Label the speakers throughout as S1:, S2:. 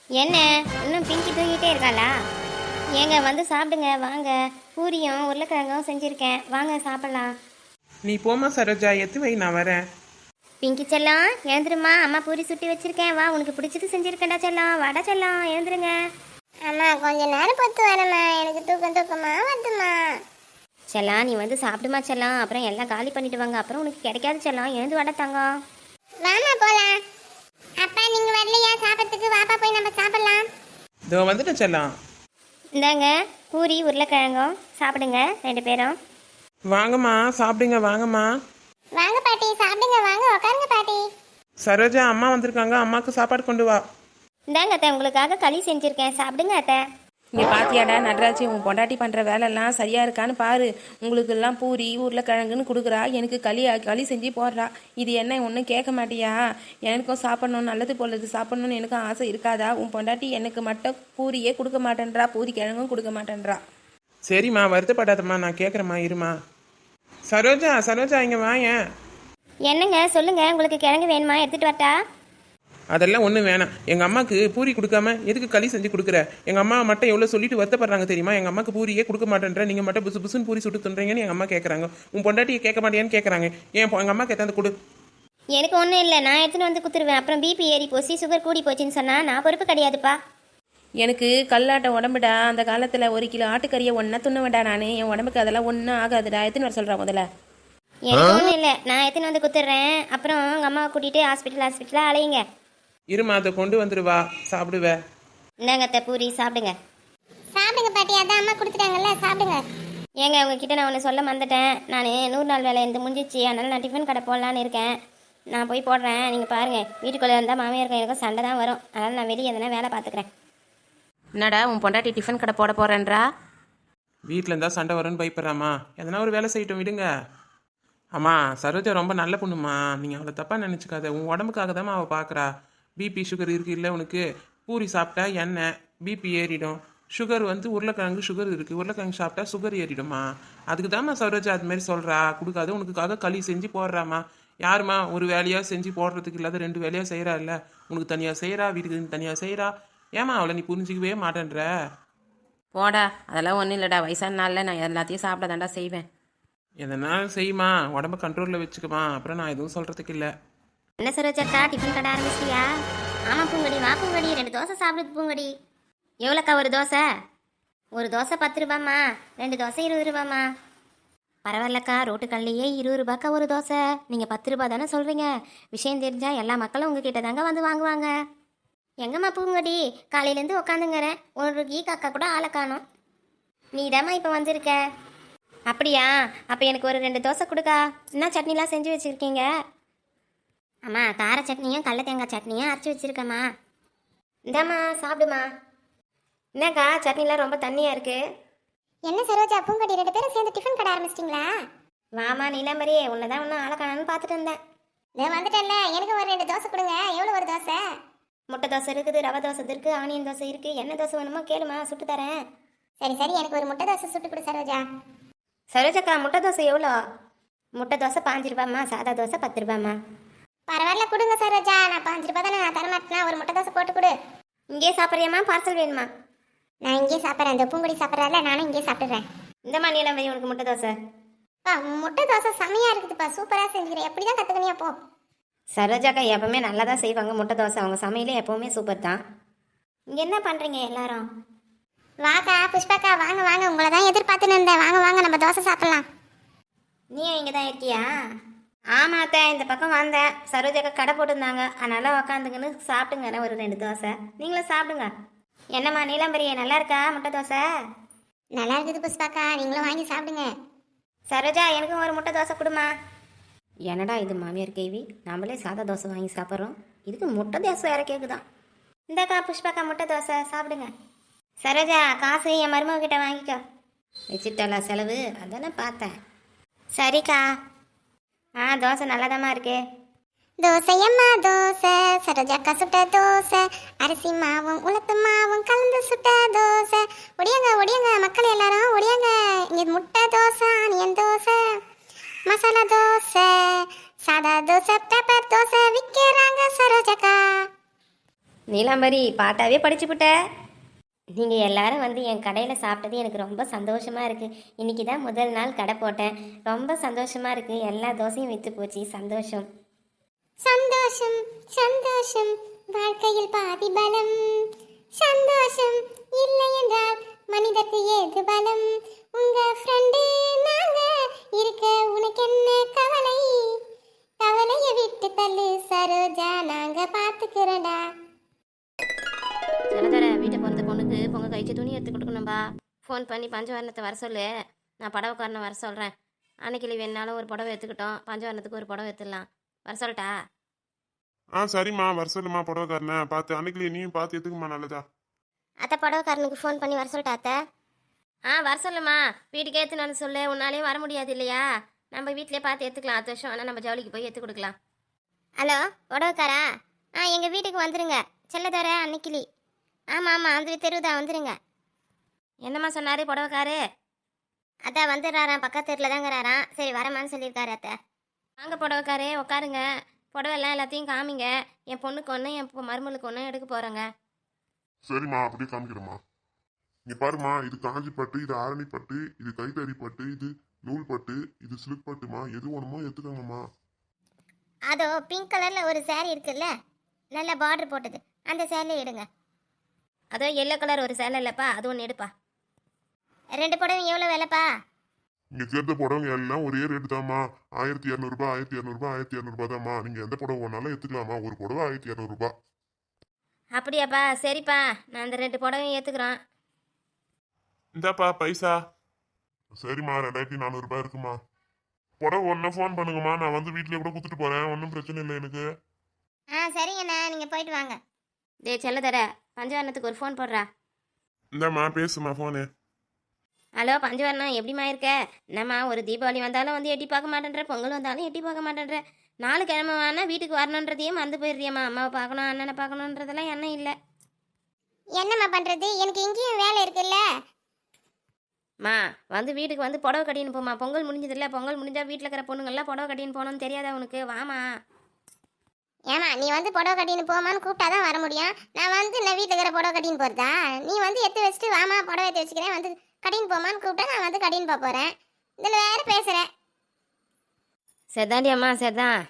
S1: என்ன இன்னும் பிங்கி தூங்கிட்டே இருக்காளா? ஏங்க வந்து சாப்பிடுங்க வாங்க. பூரியும் உருளைக்கிழங்கும் செஞ்சுருக்கேன், வாங்க சாப்பிடலாம்.
S2: நீ போமா சரோஜா, எத்து வை, நான் வரேன்.
S1: பிங்கி செல்லம் எழுந்துருமா, அம்மா பூரி சுட்டி வச்சிருக்கேன், வா உனக்கு பிடிச்சது செஞ்சுருக்கேன்டா செல்லம், வாடா செல்லம் எழுந்துருங்க.
S3: அம்மா கொஞ்ச நேரம் பொறுத்து வரேம்மா, எனக்கு தூக்கமா வந்துமா.
S1: செல்லம் நீ வந்து சாப்பிடுமா செல்லம், அப்புறம் எல்லாம் காலி பண்ணிட்டு வாங்க, அப்புறம் உனக்கு கிடைக்காது செல்லம், எழுந்து வாடா தங்கம்.
S3: வாமா போலாம். அப்பா நீங்க வரலையா சாப்பிட்றதுக்கு? வாப்பா போய் நம்ம சாப்பிடலாம்.
S2: இதோ வந்துட்டேன் செல்லம்.
S1: இந்தாங்க பூரி உருளைக்கிழங்கும் சாப்பிடுங்க ரெண்டு பேரும்.
S2: வாங்கம்மா சாப்பிடுங்க, வாங்கம்மா.
S3: வாங்க பாட்டி சாப்பிடுங்க, வாங்க உட்காருங்க பாட்டி.
S2: சரோஜா அம்மா வந்திருக்காங்க, அம்மாவுக்கு சாப்பாடு கொண்டு வா.
S1: இந்தாங்க அத்தை, உங்களுக்காக களி செஞ்சுருக்கேன், சாப்பிடுங்க அத்தை.
S4: இங்கே பாத்தியாடா நடராஜி, உன் பொண்டாட்டி பண்ணுற வேலைலாம் சரியாக இருக்கான்னு பாரு. உங்களுக்கெல்லாம் பூரி உருளைக்கிழங்குன்னு கொடுக்குறா, எனக்கு களி செஞ்சு போடுறா. இது என்ன ஒன்றும் கேட்க மாட்டியா? எனக்கும் சாப்பிட்ணும், நல்லது போலது சாப்பிட்ணுன்னு எனக்கும் ஆசை இருக்காதா? உன் பொண்டாட்டி எனக்கு மட்டும் பூரியே கொடுக்க மாட்டேன்றா, பூரி கிழங்கும் கொடுக்க மாட்டேன்றா.
S2: சரிம்மா வருத்தப்படாதம்மா, நான் கேட்குறேம்மா, இருமா. சரோஜா சரோஜா இங்கே வாயேன்.
S1: என்னங்க சொல்லுங்க, உங்களுக்கு கிழங்கு வேணுமா, எடுத்துட்டு வரட்டா?
S2: அதெல்லாம் ஒன்றும் வேணாம். எங்கள் அம்மாவுக்கு பூரி கொடுக்காம எதுக்கு களி செஞ்சு கொடுக்குற? எங்கள் அம்மா மட்டும் எவ்வளோ சொல்லிட்டு வருத்தப்படுறாங்க தெரியுமா? எங்கள் அம்மாவுக்கு பூரியே கொடுக்க மாட்டேன்ற, நீங்கள் மட்டும் புசு புசுன்னு பூரி சுட்டு துன்றீங்கன்னு எங்கள் அம்மா கேட்குறாங்க. உன் பொண்டாட்டியை கேட்க மாட்டேன்னு கேட்குறாங்க. ஏன் எங்கள் அம்மாவுக்கு எத்தாந்து கொடு.
S1: எனக்கு ஒன்றும் இல்லை, நான் எடுத்துன்னு வந்து குத்துருவேன். அப்புறம் பிபி ஏறி போச்சு, சுகர் கூடி போச்சுன்னு சொன்னால் நான் பொறுப்பு கிடையாதுப்பா.
S4: எனக்கு கல்லாட்ட உடம்புடா, அந்த காலத்தில் 1 கிலோ ஆட்டுக்கறியை ஒன்றா துண்ணுவேண்டா நான். என் உடம்புக்கு அதெல்லாம் ஒன்றும் ஆகாதுடா. எத்தனை வர சொல்கிறா முதல்ல?
S1: எனக்கு ஒன்றும் இல்லை, நான் எடுத்துன்னு வந்து குத்துடுறேன். அப்புறம் உங்கள் அம்மாவை கூட்டிகிட்டு ஹாஸ்பிட்டலாக அலையுங்க.
S2: இருமா, அதை கொண்டு வந்துடுவா, சாப்பிடுவேன்.
S1: இந்தாங்க அத்தை பூரி சாப்பிடுங்க.
S3: சாப்பிடுங்க பாட்டி, அதான் அம்மா கொடுத்துட்டாங்கல்ல, சாப்பிடுங்க.
S1: ஏங்க உங்ககிட்ட நான் ஒன்று சொல்ல மறந்துட்டேன். நான் 100 நாள் வேலை இந்த முடிஞ்சிச்சு, அதனால் நான் டிஃபன் கடை போடலான்னு இருக்கேன். நான் போய் போடுறேன், நீங்கள் பாருங்கள். வீட்டுக்குள்ளே இருந்தால் மாமியாருக்கும் எனக்கும் சண்டை தான் வரும், அதனால் நான் வெளியே எதனா வேலை பார்த்துக்கிறேன்.
S4: என்னடா உன் பொண்டாட்டி டிஃபன் கடை போட போகிறேன்றா?
S2: வீட்டில் இருந்தால் சண்டை வரும்னு பயப்படுறாம்மா, எதனா ஒரு வேலை செய்யட்டும், விடுங்க. அம்மா சரோஜா ரொம்ப நல்ல பொண்ணுமா, நீங்கள் அவளை தப்பாக நினச்சிக்காத. உன் உடம்புக்காக தான் அவள் பார்க்குறா. பிபி சுகர் இருக்குது இல்லை உனக்கு? பூரி சாப்பிட்டா எண்ணெய் பிபி ஏறிடும். சுகர் வந்து உருளைக்கிழங்கு சுகர் இருக்குது, உருளைக்கிழங்கு சாப்பிட்டா சுகர் ஏறிடுமா. அதுக்கு தான்மா சரோஜா அது மாதிரி சொல்கிறா. கொடுக்காது உனக்குக்காக களி செஞ்சு போடுறாம்மா. யாருமா ஒரு வேலையாக செஞ்சு போடுறதுக்கு இல்லாத 2 வேலையாக செய்கிறா இல்லை? உனக்கு தனியாக செய்கிறா, வீட்டுக்கு தனியாக செய்கிறா. ஏமா அவளை நீ புரிஞ்சிக்கவே மாட்டேன்ற?
S4: போடா, அதெல்லாம் ஒன்றும் இல்லைடா. வயசான நாளில் நான் எல்லாத்தையும் சாப்பிட தாண்டா செய்வேன்.
S2: எதனாலும் செய்யுமா, உடம்ப கண்ட்ரோலில் வச்சுக்குமா, அப்புறம் நான் எதுவும் சொல்கிறதுக்கு இல்லை.
S1: என்ன சரோஜாக்கா, டிஃபன் கடை ஆரம்பிச்சிட்டியா? ஆமாம் பூங்கடி, வா பூங்கடி, 2 தோசை சாப்பிடுது பூங்கடி. எவ்வளோக்கா ஒரு தோசை? ஒரு தோசை 10 ரூபாம்மா, 2 தோசை 20 ரூபாம்மா. பரவாயில்லக்கா, ரோட்டுக்கல்லையே 20 ரூபாய்க்கா ஒரு தோசை. நீங்கள் 10 ரூபா தானே சொல்கிறீங்க. விஷயம் தெரிஞ்சால் எல்லா மக்களும் உங்ககிட்ட தாங்க வந்து வாங்குவாங்க. எங்கம்மா பூங்கடி, காலையிலேருந்து உக்காந்துங்கிறேன், ஒரு கீ காக்கா கூட ஆளை காணோம். நீ தாம்மா இப்போ வந்திருக்க. அப்படியா? அப்போ எனக்கு ஒரு 2 தோசை கொடுக்கா. என்ன சட்னிலாம் செஞ்சு வச்சுருக்கீங்க? அம்மா கார சட்னியும் கடல தேங்காய் சட்னியும் அரைச்சி வச்சிருக்கம்மா. இந்தாம்மா சாப்பிடுமா. என்னக்கா சட்னிலாம் ரொம்ப தண்ணியாக இருக்கு.
S3: என்ன சரோஜா பூங்கடி 2 பேரும் சேர்ந்து டிஃபன் கடை ஆரம்பிச்சிட்டிங்களா?
S1: வாமா நீலாம்பரியே, உன்னை தான் ஒன்றும் ஆளக்கானு பார்த்துட்டு இருந்தேன்.
S3: நான் வந்துட்டேன்ல, எனக்கு ஒரு 2 தோசை கொடுங்க. எவ்வளோ ஒரு தோசை?
S1: முட்டை தோசை இருக்குது, ரவை தோசை இருக்குது, ஆனியன் தோசை இருக்குது. என்ன தோசை வேணுமோ கேளுமா, சுட்டு தரேன்.
S3: சரி சரி, எனக்கு ஒரு முட்டை தோசை சுட்டு கொடு சரோஜா.
S1: சரோஜாக்கா முட்டை தோசை எவ்வளோ? முட்டை தோசை 5 ரூபாம்மா, சாதா தோசை 10 ரூபாம்மா.
S3: பரவாயில்ல கொடுங்க சரோஜா, நான் 5 ரூபாய் தானே, நான் தரமாட்டேனா. ஒரு முட்டை தோசை போட்டு கொடு.
S1: இங்கே சாப்பிட்றியம்மா, பார்சல் வேணுமா?
S3: நான் இங்கே சாப்பிட்றேன், இந்த பூங்குடி சாப்பிட்றால, நானும் இங்கே சாப்பிட்றேன்.
S1: இந்தம்மா நீலாம்பரி உனக்கு முட்டை தோசை.
S3: முட்டை தோசை செமையாக இருக்குதுப்பா, சூப்பராக செஞ்சுக்கிறேன். எப்படி தான் கற்றுக்கணியா போ.
S1: சரோஜாக்கா எப்பவுமே நல்லா தான் செய்வாங்க முட்டை தோசை, அவங்க சமையலே எப்போவுமே சூப்பர் தான். இங்கே என்ன பண்ணுறீங்க எல்லாரும்?
S3: வாக்கா புஷ்பாக்கா, வாங்க வாங்க, உங்களை தான் எதிர்பார்த்துன்னு இருந்தேன். வாங்க வாங்க, நம்ம தோசை சாப்பிட்லாம்.
S1: நீயும் இங்கே தான் இருக்கியா? ஆமாம் அத்தை, இந்த பக்கம் வந்தேன். சரோஜாக்கா கடை போட்டிருந்தாங்க, அதனால் உக்காந்துங்கன்னு சாப்பிட்டுங்க ஒரு 2 தோசை. நீங்களும் சாப்பிடுங்க. என்னம்மா நீலாம்பரியே, நல்லா இருக்கா முட்டை தோசை?
S3: நல்லா இருக்குது புஷ்பாக்கா, நீங்களும் வாங்கி சாப்பிடுங்க.
S1: சரோஜா எனக்கும் ஒரு முட்டை தோசை கொடுமா. என்னடா இது மாமியார் கேள்வி, நம்மளே சாதா தோசை வாங்கி சாப்பிட்றோம், இதுக்கு முட்டை தோசை வேற கேட்குதான். இந்தாக்கா புஷ்பாக்கா முட்டை தோசை சாப்பிடுங்க. சரோஜா காசு என் மருமக கிட்ட வாங்கிக்கோ. வச்சுட்டாளா செலவு? அதானே பார்த்தேன். சரிக்கா. தோசை நல்லாதாம்மா இருக்கு.
S3: தோசையம்மா தோசை, சரோஜாக்கா சுட்ட தோசை, அரிசி மாவும் உளுத்து மாவும் கலந்து சுட்ட தோசை. ஒடியாங்க ஒடியாங்க மக்கள் எல்லாரும் ஒடியாங்க. இங்கே முட்டை தோசை, ஆனியன் தோசை, மசாலா தோசை, சாதா தோசை, பெப்பர் தோசை விற்கிறாங்க சரோஜாக்கா.
S1: நீலாம்பரி பாட்டாவே படிச்சுப்புட்ட. நீங்கள் எல்லாரும் வந்து என் கடையில் சாப்பிட்டது எனக்கு ரொம்ப சந்தோஷமாக இருக்குது. இன்றைக்கி தான் முதல் நாள் கடை போட்டேன். ரொம்ப சந்தோஷமாக இருக்குது. எல்லா தோசையும் விற்று போச்சு. சந்தோஷம்.
S3: சந்தோஷம் சந்தோஷம் வாழ்க்கையில் பாதி பலம். சந்தோஷம் இல்லை என்றால் மனிதருக்கு ஏது பலம். உங்க ஃப்ரெண்டு நாங்க இருக்க உனக்கு என்ன கவலை? கவலையை விட்டு தள்ளு சரோஜா, நாங்க பாத்துக்கிறோம்டா.
S1: சில தடவை வீட்டை பிறந்த பொண்ணுக்கு பொங்கல் கழிச்சு துணி எடுத்து கொடுக்கணும்பா. ஃபோன் பண்ணி பஞ்சவரணத்தை வர சொல்லு. நான் புடவைக்காரனை வர சொல்கிறேன். அன்னைக்கு வேணாலும் ஒரு புடவை எடுத்துக்கிட்டோம். பஞ்சவரணத்துக்கு ஒரு புடவை எடுத்துடலாம். வர சொல்லட்டா?
S2: சரிம்மா வர சொல்லுமா புடவைக்காரனை பார்த்து. அன்னைக்கு நீயும் பார்த்து எடுத்துக்குமா, நல்லதா?
S3: அத்தை புடவைக்காரனுக்கு ஃபோன் பண்ணி வர சொல்லிட்டா அத்தை?
S1: வர சொல்லுமா. வீட்டுக்கு ஏற்றுனான்னு சொல்லு. உன்னாலேயும் வர முடியாது இல்லையா? நம்ம வீட்டிலே பார்த்து எடுத்துக்கலாம். 10 வருஷம் ஆனால் நம்ம ஜவுளிக்கு போய் எடுத்து கொடுக்கலாம்.
S3: ஹலோ புடவைக்காரா? எங்கள் வீட்டுக்கு வந்துருங்க. செல்லதோர அன்னைக்கிளி. ஆமாம் ஆமாம், அந்த தெருவுதான், வந்துருங்க.
S1: என்னம்மா சொன்னார் புடவைக்காரு?
S3: அதான் வந்துடுறாராம், பக்கத்து தெருவில் தாங்கிறாராம். சரி வரமான்னு சொல்லியிருக்காரு அத்தை.
S1: வாங்க புடவைக்காரே, உட்காருங்க. புடவைலாம் எல்லாத்தையும் காமிங்க. என் பொண்ணுக்கு ஒன்று, என் மருமலுக்கு ஒன்று எடுக்க போகிறேங்க.
S5: சரிம்மா, அப்படியே காமிக்கிறேம்மா. இங்க பாருமா, இது காஞ்சி பட்டு, இது ஆரணி பட்டு, இது கைத்தறி பட்டு, இது நூல் பட்டு, இது சில்க் பட்டுமா. எது வேணுமோ எடுத்துக்கோங்கம்மா.
S3: அதோ பிங்க் கலரில் ஒரு saree இருக்குல்ல, நல்ல பார்டர் போட்டது, அந்த சேரீ எடுங்க.
S1: அதோ எல்லோ கலர் ஒரு சேலை இல்லைப்பா, அது ஒன்று எடுப்பா.
S3: 2 புடவை எவ்வளோ விலைப்பா?
S5: இங்க சேர்த்த புடவைங்க எல்லாம் ஒரே ரேட்டு தாம்மா. 1200 ரூபாய், 1200 ரூபாய் தாம்மா. நீங்க எந்த புடவை வேணாலும் எடுத்துக்கலாமா. ஒரு புடவை 1200 ரூபாய்.
S1: அப்படியாப்பா? சரிப்பா, நான் அந்த 2 புடவையும் ஏற்றுக்குறோம்.
S2: இந்தாப்பா பைசா.
S5: சரிம்மா, 2400 ரூபாய் இருக்குமா. புடவை ஒன்றும் ஃபோன் பண்ணுங்கம்மா, நான் வந்து வீட்லயே கூட கொடுத்துட்டு போறேன். ஒன்றும் பிரச்சனை இல்லை எனக்கு.
S3: சரிங்கண்ணா, நீங்கள் போயிட்டு வாங்க.
S1: செல்ல தர பஞ்சவரணத்துக்கு ஒரு ஃபோன் போடுறா.
S2: இந்தாம்மா பேசுமா ஃபோனு.
S1: ஹலோ பஞ்சவரணம், எப்படிம்மா இருக்க? என்னம்மா ஒரு தீபாவளி வந்தாலும் வந்து எட்டி பார்க்க மாட்டேன்ற, பொங்கல் வந்தாலும் எட்டி பார்க்க மாட்டேன்ற, 4 கிழமை வேணா வீட்டுக்கு வரணுன்றதையே மறந்து போயிடுறியம்மா. அம்மாவை பார்க்கணும், அண்ணனை பார்க்கணுன்றதெல்லாம் எண்ணம் இல்லை.
S3: என்னம்மா பண்ணுறது, எனக்கு இங்கேயும் வேலை இருக்குல்ல.
S1: மா வந்து வீட்டுக்கு வந்து புடவை கட்டின்னு போமா. பொங்கல் முடிஞ்சதில்ல, பொங்கல் முடிஞ்சா வீட்டில் இருக்கிற பொண்ணுங்கள்லாம் புடவை கட்டின்னு போகணும்னு தெரியாதா உனக்கு? வாமா.
S3: ஏமா நீ வந்து புடவை கட்டின்னு போமான்னு கூப்பிட்டா தான் வர முடியும். நான் வந்து நான் வீட்டில் இருக்கிற புடவை கட்டின்னு போகிறதா? நீ வந்து எடுத்து வச்சுட்டு வாமா புடவை எடுத்து வச்சுக்கிறேன், வந்து கட்டின்னு போமான்னு கூப்பிட்டா நான் வந்து கட்டின்னு போக போகிறேன். இதில் வேறு பேசுகிறேன்.
S1: சரிதாண்டி அம்மா, சரிதான்.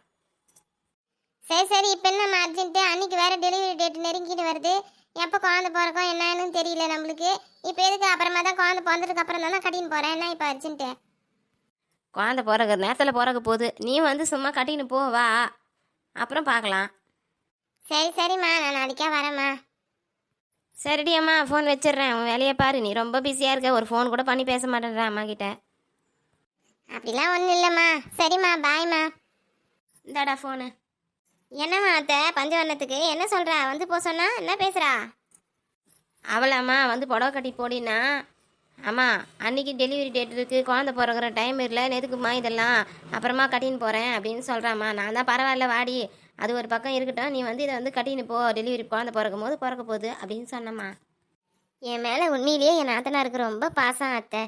S3: சரி இப்போ என்னம்மா அர்ஜென்ட்டு? அன்றைக்கி வேறு டெலிவரி டேட் நெருங்கிட்டு வருது. எப்போ குழந்தை பிறக்கும் என்னன்னு தெரியல நம்மளுக்கு. இப்போ எதுக்கு? அப்புறமா தான் குழந்தை பிறந்ததுக்கு அப்புறம் தானே கட்டின்னு போகிறேன். என்ன இப்போ அர்ஜென்ட்டு?
S1: குழந்தை பிறகு நேரத்தில் பிறக்க போகுது. நீ வந்து சும்மா கட்டின்னு போ, வா, அப்புறம் பார்க்கலாம்.
S3: சரிம்மா, நான் நாளைக்கே வரேம்மா.
S1: சரிடி அம்மா, ஃபோன் வச்சிடுறேன். உன் வேலையை பாரு. நீ ரொம்ப பிஸியாக இருக்க, ஒரு ஃபோன் கூட பண்ணி பேச மாட்டேன்றேன் அம்மா கிட்ட.
S3: அப்படிலாம் ஒன்றும் இல்லைம்மா. சரிம்மா, பாய்மா.
S1: இந்தாடா ஃபோனு.
S3: என்னம்மா அத்தை பஞ்சவர்ணத்துக்கு என்ன சொல்கிறா? வந்து போ சொன்னா என்ன பேசுகிறா?
S1: அவளாம்மா வந்து புடவை கட்டி போடினா, அம்மா அன்றைக்கி டெலிவரி டேட் இருக்குது, குழந்தை பிறகுற டைம் இல்லை, எதுக்குமா இதெல்லாம், அப்புறமா கட்டின்னு போகிறேன் அப்படின்னு சொல்கிறாம்மா. நான் தான் பரவாயில்ல வாடி, அது ஒரு பக்கம் இருக்கட்டும், நீ வந்து இதை வந்து கட்டின்னு போ, டெலிவரி குழந்தை பிறக்கும் போது பிறக்க போகுது அப்படின்னு சொன்னம்மா.
S3: என் மேலே உண்மையிலேயே என் நாத்தனாருக்கு ரொம்ப பாசம் அத்தை.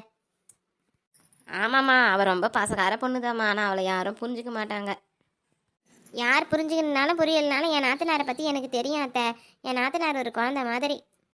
S1: ஆமாம்மா, அவள் ரொம்ப பாசக்கார பொண்ணுதாம்மா. ஆனால் அவளை யாரும் புரிஞ்சிக்க மாட்டாங்க.
S3: யார் புரிஞ்சுக்கணுனாலும் புரியலனாலும் என் நாத்தனாரை பற்றி எனக்கு தெரியும் அத்தை. என் நாத்தனார் ஒரு குழந்தை மாதிரி.